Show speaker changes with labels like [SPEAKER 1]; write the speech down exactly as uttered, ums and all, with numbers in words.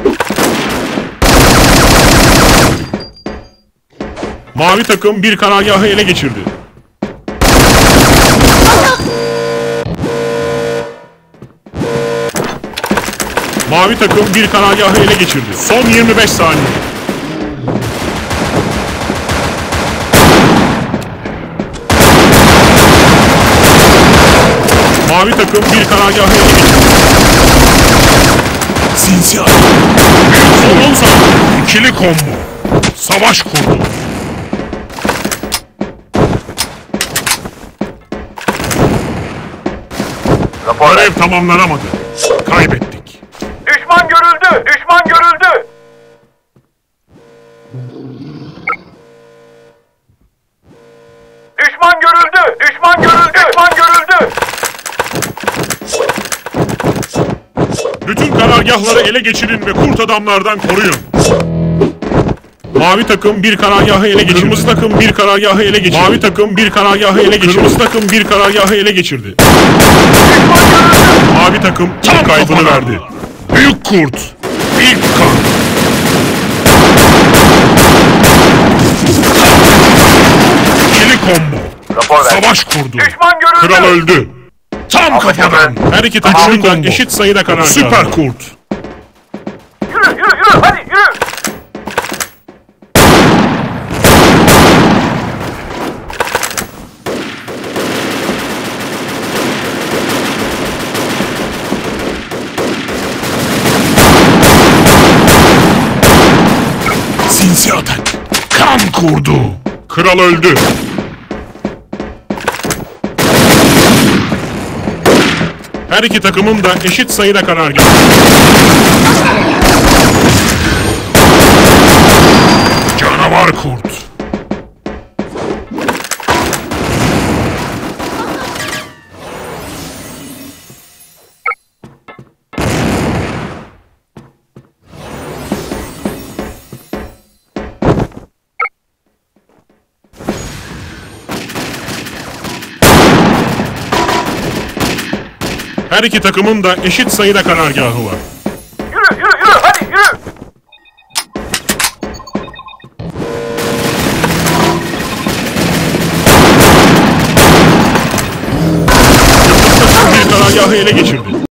[SPEAKER 1] Mavi takım bir karargahı ele geçirdi. Mavi takım bir karargahı ele geçirdi. Son yirmi beş saniye. Mavi takım bir karargahı ele geçirdi. Sinsiyah. Son on saniye. İkili combo. Savaş kurdu. Görev tamamlanamadı. Kaybettik.
[SPEAKER 2] Düşman görüldü! Düşman görüldü! Düşman görüldü! Düşman görüldü! Düşman görüldü!
[SPEAKER 1] Bütün karargahları ele geçirin ve kurt adamlardan koruyun. Mavi takım bir karargahı ele geçirdi. Kırmızı takım bir karargahı ele geçirdi. Mavi takım bir karargahı ele geçirdi. Kırmızı takım bir karargahı ele geçirdi. Mavi takım tam kaybını verdi. Büyük kurt. İlk kan. İkili combo. Savaş kurdu.
[SPEAKER 2] Düşman görüldü!
[SPEAKER 1] Kral öldü. Tam kafadan. Her iki takımın da eşit sayıda karargahı. Süper kurt.
[SPEAKER 2] Yürü yürü yürü! Hadi yürü!
[SPEAKER 1] Sinsi atak. Kan kurdu. Kral öldü. Her iki takımın da eşit sayıda karargahı. Canavar kurt. Her iki takımın da eşit sayıda karargahı var.
[SPEAKER 2] Yürü yürü yürü! Hadi yürü!
[SPEAKER 1] Bir karargahı ele geçirdi.